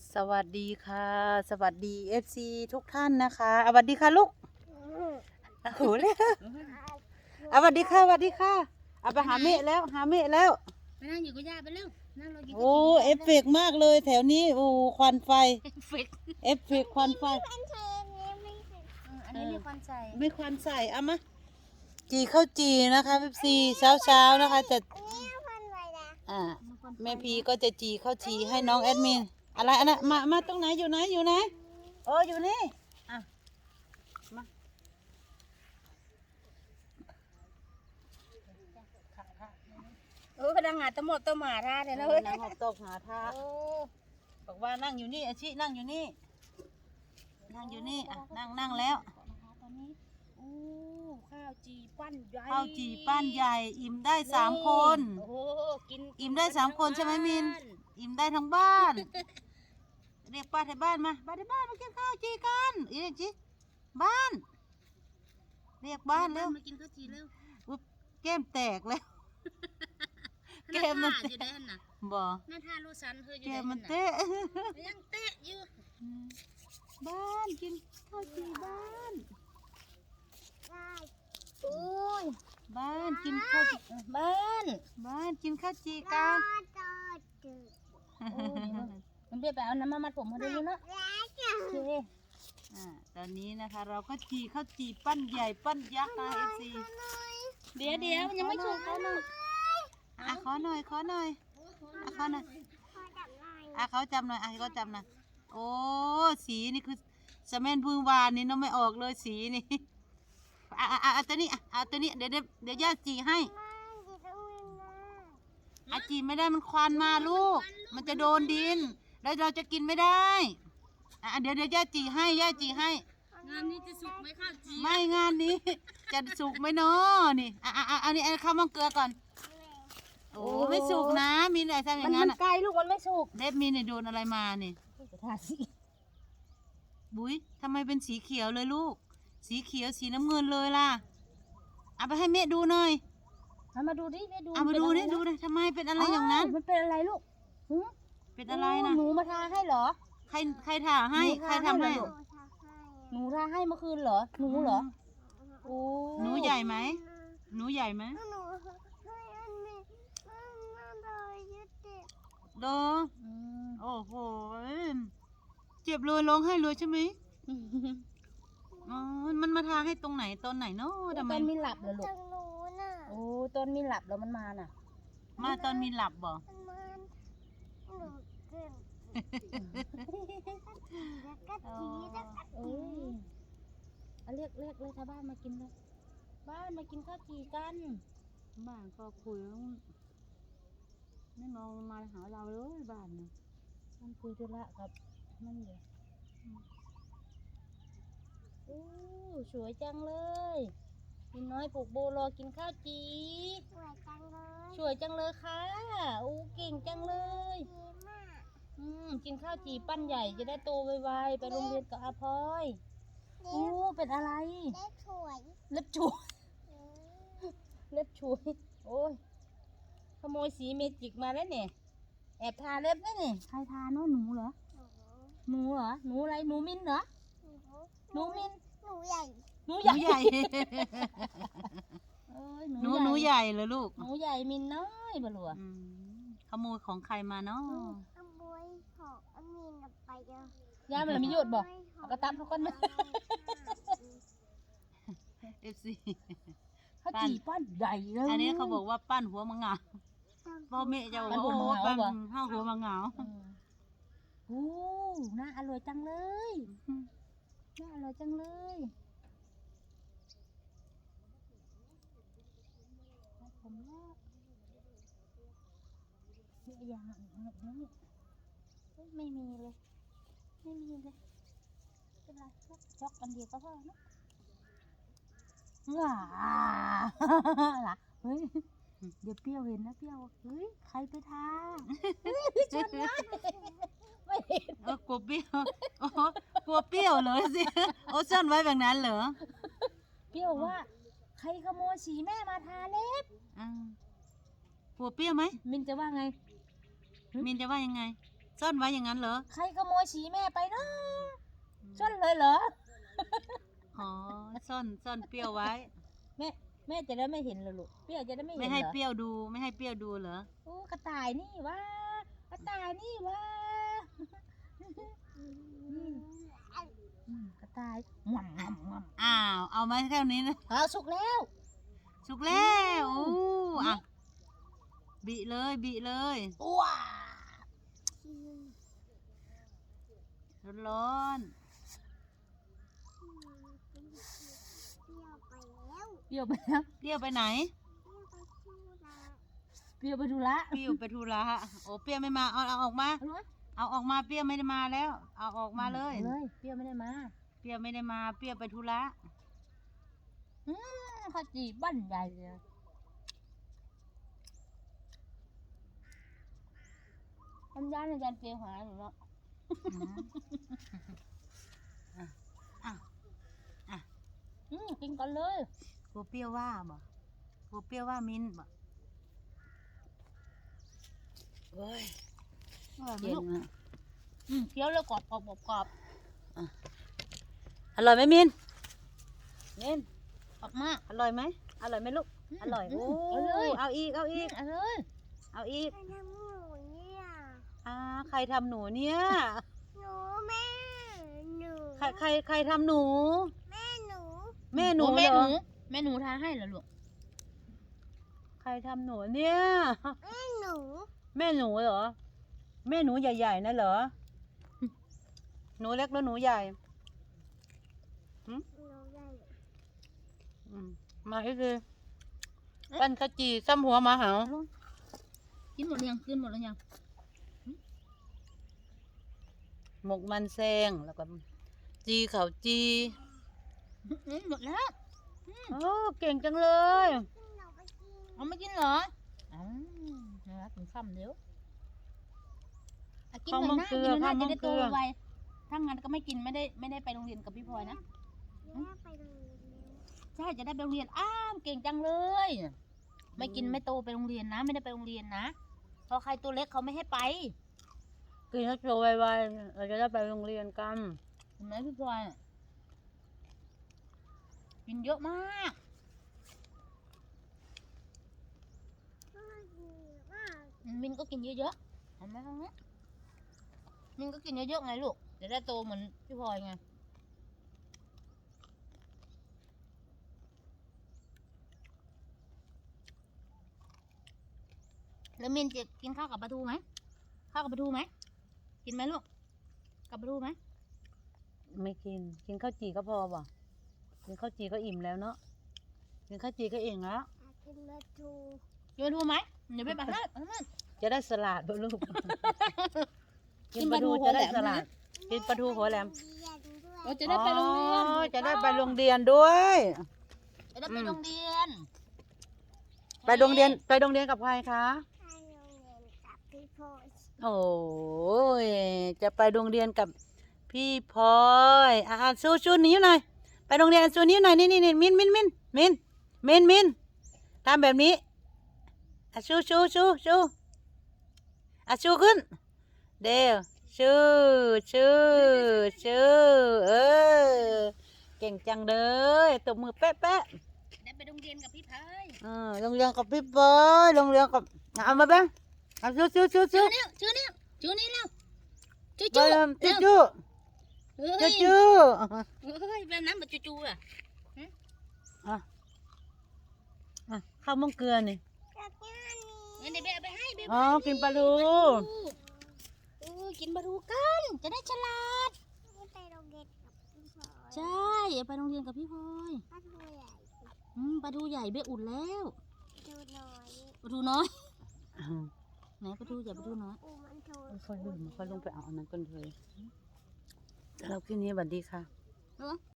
สวัสดีค่ะสวัสดีFC ทุกท่านนะคะสวัสดีค่ะลูกโอ้โหเลยสวัสดีค่ะสวัสดีค่ะเอาไปหาเมฆแล้วหาเมฆแล้วไปนั่งอยู่กับย่าไปเร็วนั่งรอกินโอ้เอฟเฟกต์มากเลยแถวนี้โอ้ควันไฟเอฟเฟกต์ควันไฟอันนี้มีควันใส่ไม่ควันใส่เอามาจีข้าวจีนะคะFC เช้านะคะจะแม่พีก็จะจีข้าวจีให้น้องแอดมินอะไรอันนั้นมาตรงไหนอยู่ไหนโอ้อยู่นี่อ่ะมาพนักงานตะหมดตะหมาท่าเลยนะเว้ยนั่งหอบตกหาท่าบอกว่านั่งอยู่นี่อาชินั่งอยู่นี่อ่ะนั่งแล้วตอนนี้ข้าวจีปั้นใหญ่ข้าวจีป้านใหญ่อิ่มได้3 คนโอ้โหกินอิ่มได้3 คนใช่ไหมมินอิ่มได้ทั้งบ้าน เรียกป้าที่บ้านมาป้าที่บ้านมากินข้าวจีกันอีกจิบ้านเรียกบ้านเร็วมากินข้าวจีเร็วอุ๊ยแก้มแตกแล้ว แก้มมันอยู่ได้น่ะบ่หน้าท่าลูกสันเธออยู่แก้ได้มมันน่ะเตะยังเตะอยู่บ้านกินข้าวจีบ้านโอ้ยบ้านกินข้าวจีบ้านบ้านกินข้าวจีกันมันเบี้ยไปเอาน้ำมามัดผมมาดูเนาะโอเคตอนนี้นะคะเราก็จีข้าวจีปั้นใหญ่ปั้นยักษ์นะเอฟซีเดี๋ยวมันยังไม่สุกเขาเนาะขอหน่อยขอหน่อยเขาจับหน่อยเขาจับหน่อยโอ้สีนี่คือสแมนพึ่งวานนี่น้องไม่ออกเลยสีนี่เอาตัวนี้เอาตัวนี้เดี๋ยวย่าจีให้จีไม่ได้มันควันมาลูกมันจะโดนดินแล้วเราจะกินไม่ได้เดี๋ยวย่าจีให้งานนี้จะสุกไหมข้าวจีไม่งานนี้ จะสุกไหมเนาะนี่อันนี้ข้าวมังเกลือก่อนโอ้ไม่สุกนะมีอะไรทำอย่างนั้นมันไกลลูกมันไม่สุกเล็บมีเนี่ยโดนอะไรมานี่ทาสิบุ้ยทำไมเป็นสีเขียวเลยลูกสีเขียวสีน้ำเงินเลยล่ะเอาไปให้แม่ดูหน่อยมาดูดิแม่ดูเอามาดูนี่ดูเลยทำไมเป็นอะไรอย่างนั้นมันเป็นอะไรลูกเป็นอะไรนะหนูมาทาให้เหรอใครถ่าให้ใครทำให้หนูทาให้เมื่อคืนเหรอหนูเหรอโอ้หนูใหญ่ไหมหนูใหญ่ไหมโดโอ้โหเจ็บเลยร้องไห้เลยใช่ไหมอ๋อมันมาทาให้ตรงไหนตอนไหนเนาะทำไมตอนมีหลับเหรอลูกโอ้ตอนมีหลับแล้วมันมาน่ะมาตอนมีหลับบ่เอ้ยเรียกเลยชาวบ้านมากินเลยบ้านมากินข้าวจีกันบ้านก็คุยไม่มองมาหาเราเลยบ้านเนี่ยมันคุยธุระกับนั่นเดี๋ยวโอ้สวยจังเลยกินน้อยปลูกโบรอกินข้าวจีสวยจังเลยค่ะโอ้เก่งจังเลยกินข้าวจีปั้นใหญ่จะได้โตไวๆไปโรงเรียนกับอาพลอยโอ้เป็นอะไรเล็บช่วยเล็บช่วยโอ้ยขโมยสีเมจิกมาแล้วเนี่ยแอบทาเล็บได้เนี่ยใครทาเนาะหนูเหรอหนูเหรอหนูอะไรหนูมินเหรอหนูมินหนูใหญ่หนูใหญ่เอ้ยหนูใหญ่เลยลูกหนูใหญ่มินน้อยบ่ลัวขโมยของใครมาเนาะขโมยของอามีนไปเยอะย่ามันมีหยดบ่เอากระตับเขาก่อนนะเอฟซีเขาจีปั้นใหญ่เลยอันนี้เขาบอกว่าปั้นหัวมังงาพ่อแม่จะบอกว่าโอ้ปั้นห้าหัวมังงาโอ้น่าอร่อยจังเลยน่าอร่อยจังเลยผมแล้วมีอย่างนี้ไม่มีเลยเป็นไรช็อกอันเดียวก็พอนะว้าล่ะเฮ้ยเดี๋ยวเปรี้ยวเห็นนะเปรี้ยวเฮ้ยใครไปทาชนนะไม่เห็นกลัวเปรี้ยวกลัวเปรี้ยวเลยสิโอ้ซ่อนไว้แบบนั้นเหรอเปรี้ยวว่าใครขโมยสีแม่มาทาเล็บกลัวเปรี้ยวไหมมินจะว่าไงมินจะว่ายังไงซ่อนไว้อย่างนั้นเหรอใครขโมยสีแม่ไปเนาะซ่อนเลยเหรออ๋อซ่อนเปรี้ยวไว้แม่จะได้ไม่เห็นเหรอลูกเปรี้ยวจะได้ไม่เห็นไม่เหรอให้เปรี้ยวดู ไม่ให้เปรี้ยวดูเหรอโอ้กระต่ายนี่วะกระต่ายนี่วะกระต่ายงวมอ้าว เอามาแค่นี้นะเอาสุกแล้วสุกแล้วอู้อ่ะบิเลยว้าร้อนเปรี้ยวไปแล้วเปรี้ยวไปแล้วๆเปรี้ยวไปไหนเปรี้ยวไปชูละเปรี้ยวไปดูละเปรี้ยวไปธุระโอ้เปรี้ยวไม่มา เอาออกมาเอาเลยเอาออกมา เปรี้ยวไม่ได้มาแล้ว เอาออกมาเลยอาเลยเปรี้ยวไม่ได้มาเปรี้ยวไม่ได้มา เปรี้ยวไปธุระข้าวจีบ้านใหญ่เลยทำยานอาจารย์เปรี้ยวหาหนูเนาะ กินก่อนเลยกลัวเปรี้ยวว่าบ่กลัวเปรี้ยวว่ามิ้นบ่เฮ้ยเย็นอ่ะเคี้ยวแล้วกรอบกรอบอร่อยไหมมิ้นมิ้นกรอบมากอร่อยไหมอร่อยไหมลูก อร่อย โอ้เอาเลยเอาอีก เอาอีกเอาเลยเอาอีกใครทำหนูเนี่ยใครทำหนูเนี่ยหนูแม่หนูใครทำหนูแม่หนูแม่หนูโอ้เหรอแม่หนูทาให้เหรอลูกใครทำหนูเนี่ยแม่หนูแม่หนูเหรอ แม่หนูใหญ่ๆนะเหรอ หนูเล็กแล้วหนูใหญ่หนูใหญ่มาอีกทีปั้นข้าวจี่ซ้ำหัวหมาเหากินหมดหรือยังกินหมดหรือยังหมกมันแซงแล้วก็จีเขาจีหมดแล้วโอ้เก่งจังเลยขึ้นเราไปกินเอาไม่กินเหรอนะถึงค่ำเดี๋ยวกินหน่อยนะกินหน่อยนะจะได้โตไวถ้างั้นก็ไม่กินไม่ได้ไปโรงเรียนกับพี่พลอยนะแม่ไปโรงเรียนแล้วใช่จะได้ไปโรงเรียนเก่งจังเลย ไม่กินไม่โตไปโรงเรียนนะ ไม่ได้ไปโรงเรียนนะเพราะใครตัวเล็กเขาไม่ให้ไปกินแล้วโตไวๆเราจะได้ไปโรงเรียนกันเห็นไหมพี่พลอยกินเยอะมากพ่อดีมากมินก็กินเยอะๆเห็นไหมตรงนี้มินก็กินเยอะๆไงลูกจะได้โตเหมือนพี่พลอยไงแล้วมินจะกินข้าวกับปลาทูไหมข้าวกับปลาทูไหมกินไหมลูกกับปลาทูไหมไม่กิน กินข้าวจี่ก็พอป่ะกินข้าวจี่ก็อิ่มแล้วเนาะ กินข้าวจี่ก็อิ่มแล้วกินมาทูกินปลาทูไหมเดี๋ยวไปปลาทูจะได้สลัดบ่ลูกกินปลาทูหัจะวแหลได้มสลัด กินปลาทูหัวแหลมเรียนด้วยเราจะได้ไปโรงเรียนอ๋อจะได้ไปโรงเรียนด้วยจะได้ไปโรงเรียนไปโรงเรียนกับใครคะไปโรงเรียนกับพี่โพสโอ้ยจะไปโรงเรียนกับพี่พลอย สู้นิ้วหน่อย ไปโรงเรียนสู้นิ้วหน่อย นี่มินทำแบบนี้ชูชูขึ้น เดี๋ยวชูเออเก่งจังเลยตบมือแป๊ะได้ไปโรงเรียนกับพี่พายโรงเรียนกับพี่พลอยโรงเรียนกับเอามาแบ้งชูชื่อนี่แล้วจูไปจูเริ่มเร็วจูเฮ้ยจูเฮ้ยแบบนั้นแบบจูอ่ะข้าวมังเกลือนี่กับงานนี้งั้นเดี๋ยวไปให้เบอ๋อกินปลาทูกินปลาทูกันจะได้ฉลาดไปโรงเรียนกับพี่โพสใช่ไปโรงเรียนกับพี่พลอยป้าทูใหญ่ปลาทูใหญ่เบอุ่นแล้วทูน้อยปลาทูน้อยไหนปลาทูใหญ่ปลาทูน้อยอูมันทูค่อยลงไปเอาอันนั้นก่อนเลยเราคืนนี้สวัสดีค่ะ